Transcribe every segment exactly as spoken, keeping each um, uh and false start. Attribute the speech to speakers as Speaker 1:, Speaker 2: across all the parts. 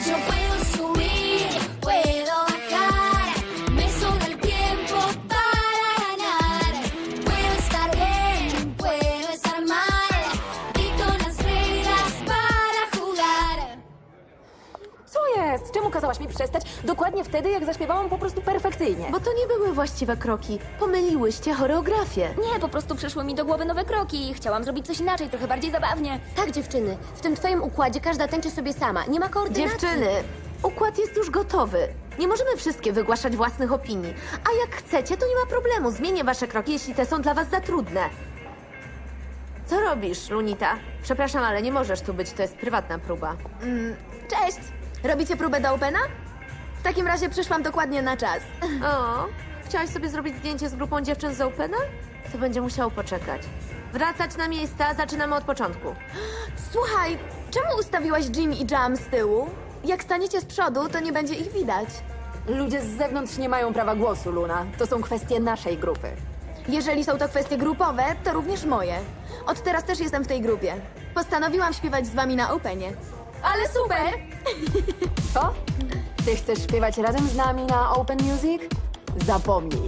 Speaker 1: Yo puedo subir, puedo bajar, me sobra el tiempo para ganar. Puedo estar bien, puedo estar mal, y con las reglas para jugar.
Speaker 2: Co jest? Czemu kazałaś mi przestać dokładnie wtedy, jak zaśpiewałam po prostu perfekcyjnie?
Speaker 3: Bo to nie były właściwe kroki. Pomyliłyście choreografię.
Speaker 4: Nie, po prostu przyszły mi do głowy nowe kroki i chciałam zrobić coś inaczej, trochę bardziej zabawnie.
Speaker 5: Tak, dziewczyny, w tym twoim układzie każda tańczy sobie sama. Nie ma koordynacji.
Speaker 3: Dziewczyny, układ jest już gotowy. Nie możemy wszystkie wygłaszać własnych opinii. A jak chcecie, to nie ma problemu. Zmienię wasze kroki, jeśli te są dla was za trudne. Co robisz, Lunita? Przepraszam, ale nie możesz tu być, to jest prywatna próba.
Speaker 6: Cześć! Robicie próbę do Opena? W takim razie przyszłam dokładnie na czas.
Speaker 3: O, chciałaś sobie zrobić zdjęcie z grupą dziewczyn z Opena? To będzie musiało poczekać. Wracać na miejsca, zaczynamy od początku.
Speaker 6: Słuchaj, czemu ustawiłaś Jimmy i Jam z tyłu? Jak staniecie z przodu, to nie będzie ich widać.
Speaker 2: Ludzie z zewnątrz nie mają prawa głosu, Luna. To są kwestie naszej grupy.
Speaker 6: Jeżeli są to kwestie grupowe, to również moje. Od teraz też jestem w tej grupie. Postanowiłam śpiewać z wami na Openie. Ale super!
Speaker 2: Co? Ty chcesz śpiewać razem z nami na Open Music? Zapomnij.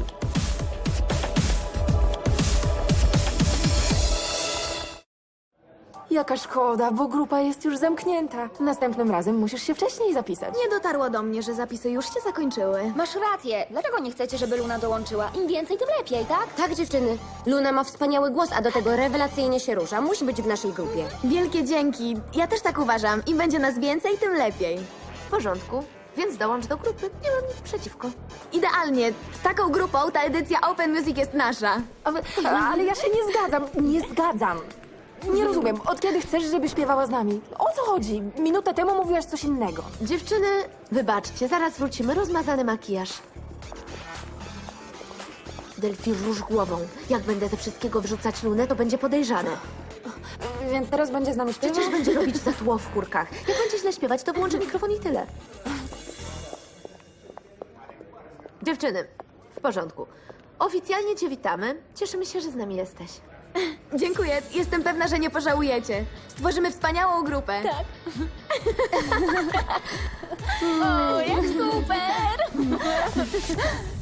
Speaker 2: Jaka szkoda, bo grupa jest już zamknięta. Następnym razem musisz się wcześniej zapisać.
Speaker 6: Nie dotarło do mnie, że zapisy już się zakończyły.
Speaker 4: Masz rację. Dlaczego nie chcecie, żeby Luna dołączyła? Im więcej, tym lepiej, tak?
Speaker 5: Tak, dziewczyny, Luna ma wspaniały głos, a do tego rewelacyjnie się rusza. Musi być w naszej grupie.
Speaker 6: Wielkie dzięki. Ja też tak uważam. Im będzie nas więcej, tym lepiej.
Speaker 3: W porządku, więc dołącz do grupy. Nie mam nic przeciwko.
Speaker 6: Idealnie. Z taką grupą ta edycja Open Music jest nasza.
Speaker 2: Ale, ale ja się nie zgadzam, nie zgadzam. Nie rozumiem, od kiedy chcesz, żeby śpiewała z nami? O co chodzi? Minutę temu mówiłaś coś innego.
Speaker 3: Dziewczyny, wybaczcie, zaraz wrócimy. Rozmazany makijaż. Delphi, rusz głową. Jak będę ze wszystkiego wrzucać Lunę, to będzie podejrzane.
Speaker 2: Więc teraz będzie z nami śpiewać?
Speaker 3: Przecież będzie robić za tło w kurkach. Jak będzie źle śpiewać, to włączę mikrofon i tyle. Dziewczyny, w porządku. Oficjalnie cię witamy. Cieszymy się, że z nami jesteś.
Speaker 6: Dziękuję. Jestem pewna, że nie pożałujecie. Stworzymy wspaniałą grupę. Tak.
Speaker 4: O, jak super!